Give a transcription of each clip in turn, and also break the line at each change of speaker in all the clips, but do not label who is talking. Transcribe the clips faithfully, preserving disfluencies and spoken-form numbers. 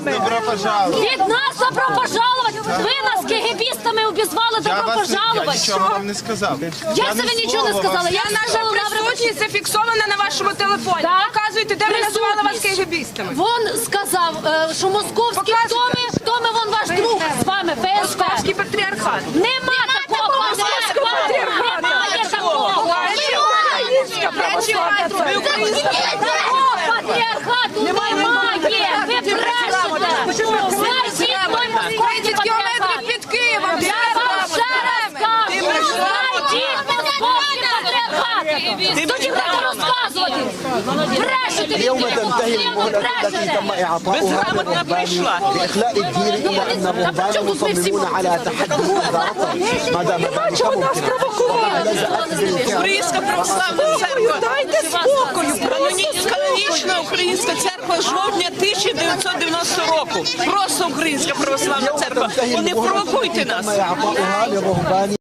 Добро пожаловать.
Від нас добро пожаловать. Ви нас кегебістами обізвали
Я
добро
вас не- я
пожаловать.
нічого вам не сказав.
Я
ні
себе нічого не
слова
сказала.
вам-
Я
Наша
сказала, Лавра,
присутність зафіксована на вашому телефоні.
Так.
Показуйте, де ви називали вас
Присутність.
кегебістами.
Вон сказав, е, що московський, хто ми, хто ми, вон ваш друг з вами, ФСБ.
Московський патріархат.
Нема такого, немає такого.
Українська православна церква. Ви українська
Такого патріархату немає. Ви брешете. Знайдіть той московський патріархат.
Під Києвом.
Я вам ще раз кажу, знайдіть московський патріархат. Тоді будете розказувати. Брешете,
اليوم
від
تنتهي المهلة التي تم إعطاؤها للرهبان بإخلاء الدين إلا أن الرهبان مصممون على تحدي إدارتهم ما دام ذلك ممكنا وقد لزأت بالفعل
Українська православна церква.
Дайте спокою.
Каноні- Канонічна українська церква жовтня тисяча дев'ятсот дев'яностого року. Просто українська православна
اليوم
церква.
تنتهي
Вони
المهلة
провокуйте
التي
нас.
تم إعطاؤها للرهبان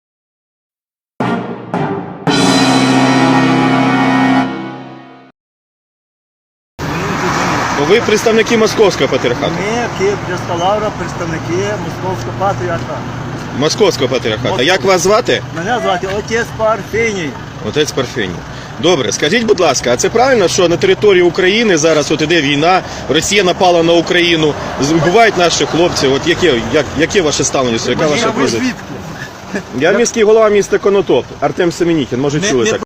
Ви представники Московського патріархату.
Ми, Київ, Лавра, представники Московського патріархату.
Московського патріархату. Як вас звати?
Мене звати отець Парфеній.
Отець Парфеній. Добре, скажіть, будь ласка, а це правильно, що на території України зараз от іде війна, Росія напала на Україну, вбивають наших хлопців? От яке, як, яке ваше ставлення? Яка ваша позиція? Я міський голова міста Конотоп, Артем Семенікін, може чули так?